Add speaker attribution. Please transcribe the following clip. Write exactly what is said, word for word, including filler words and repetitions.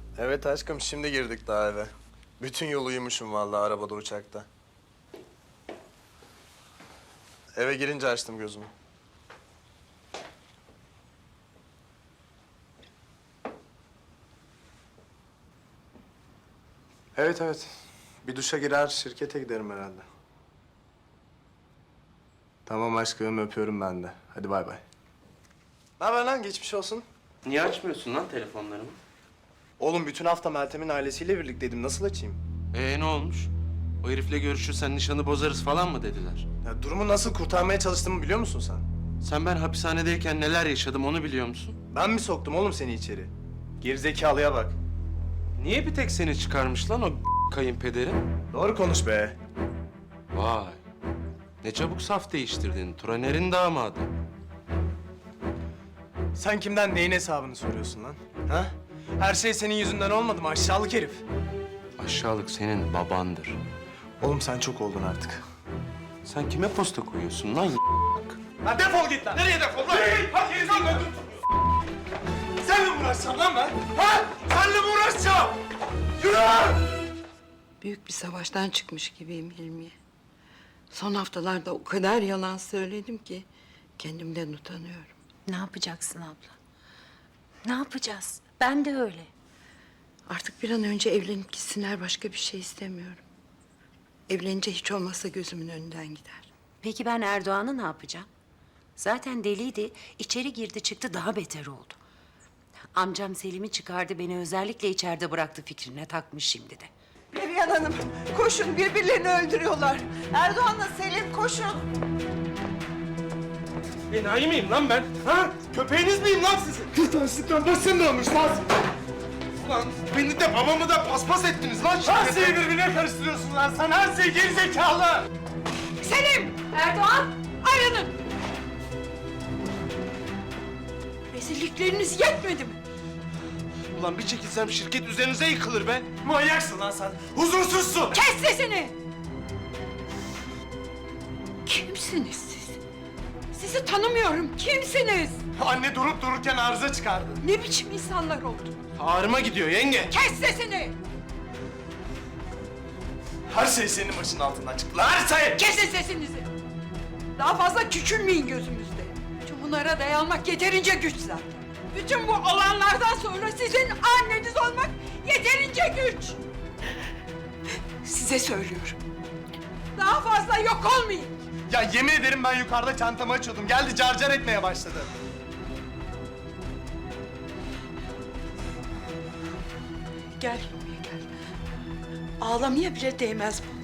Speaker 1: Evet aşkım, şimdi girdik daha eve. Bütün yol uyumuşum vallahi arabada, uçakta. Eve girince açtım gözümü. Evet evet. Bir duşa girer, şirkete giderim herhalde. Tamam aşkım, öpüyorum ben de. Hadi bay bay. Ne haber lan? Geçmiş olsun.
Speaker 2: Niye açmıyorsun lan telefonlarımı?
Speaker 1: Oğlum bütün hafta Meltem'in ailesiyle birlikteydim. Nasıl açayım?
Speaker 2: Ee ne olmuş? O herifle görüşürsen nişanı bozarız falan mı dediler?
Speaker 1: Ya durumu nasıl kurtarmaya çalıştığımı biliyor musun sen?
Speaker 2: Sen ben hapishanedeyken neler yaşadım onu biliyor musun?
Speaker 1: Ben mi soktum oğlum seni içeri? Gerizekalıya bak.
Speaker 2: Niye bir tek seni çıkarmış lan o kayınpederin?
Speaker 1: Doğru konuş be.
Speaker 2: Vay. Ne çabuk saf değiştirdin. Turaner'in damadı.
Speaker 1: Sen kimden neyin hesabını soruyorsun lan? Ha? Her şey senin yüzünden olmadı mı aşağılık herif?
Speaker 2: Aşağılık senin babandır.
Speaker 1: Oğlum sen çok oldun artık.
Speaker 2: Sen kime posta koyuyorsun lan?
Speaker 1: Lan defol git lan! Nereye defol lan? Hadi gerizekalı lan! Seninle mi uğraşacağım lan ben? Ha? Seninle mi uğraşacağım? Yürü!
Speaker 3: Büyük bir savaştan çıkmış gibiyim Hilmiye. Son haftalarda o kadar yalan söyledim ki kendimden utanıyorum.
Speaker 4: Ne yapacaksın abla? Ne yapacağız? Ben de öyle.
Speaker 3: Artık bir an önce evlenip gitsinler, başka bir şey istemiyorum. Evlenince hiç olmazsa gözümün önünden gider.
Speaker 4: Peki ben Erdoğan'ı ne yapacağım? Zaten deliydi, içeri girdi çıktı daha beter oldu. Amcam Selim'i çıkardı, beni özellikle içeride bıraktı fikrine takmış şimdi de.
Speaker 5: Perihan Hanım, koşun birbirlerini öldürüyorlar. Erdoğan'la Selim koşun.
Speaker 1: Enayi miyim lan ben? Ha? Köpeğiniz miyim lan sizin? Kırtaşlıktan başın dönmüş lan! Ulan beni de babamı da paspas ettiniz lan! Her şeyi birbirine karıştırıyorsun lan sen, her şey gerizekalı!
Speaker 3: Selim! Erdoğan! Ayrılın! Rezillikleriniz yetmedi mi?
Speaker 2: Ulan bir çekilsem şirket üzerinize yıkılır be.
Speaker 1: Manyaksın lan sen, huzursuzsun!
Speaker 3: Kes sesini! Kimsiniz siz? Sizi tanımıyorum. Kimsiniz?
Speaker 1: Anne durup dururken arıza çıkardı.
Speaker 3: Ne biçim insanlar oldunuz?
Speaker 2: Ağrıma gidiyor yenge.
Speaker 3: Kes sesini!
Speaker 1: Her şey senin başının altından çıktı lan, her şey!
Speaker 3: Kesin sesinizi! Daha fazla küçülmeyin gözümüzde. Bütün bunlara dayanmak yeterince güç zaten. Bütün bu olanlardan sonra sizin anneniz olmak yeterince güç. Size söylüyorum. Daha fazla yok olmayın.
Speaker 1: Ya yemin ederim ben yukarıda çantamı açıyordum. Geldi carcar etmeye başladı.
Speaker 3: Gel Hilmiye gel. Ağlamaya bile değmez bu.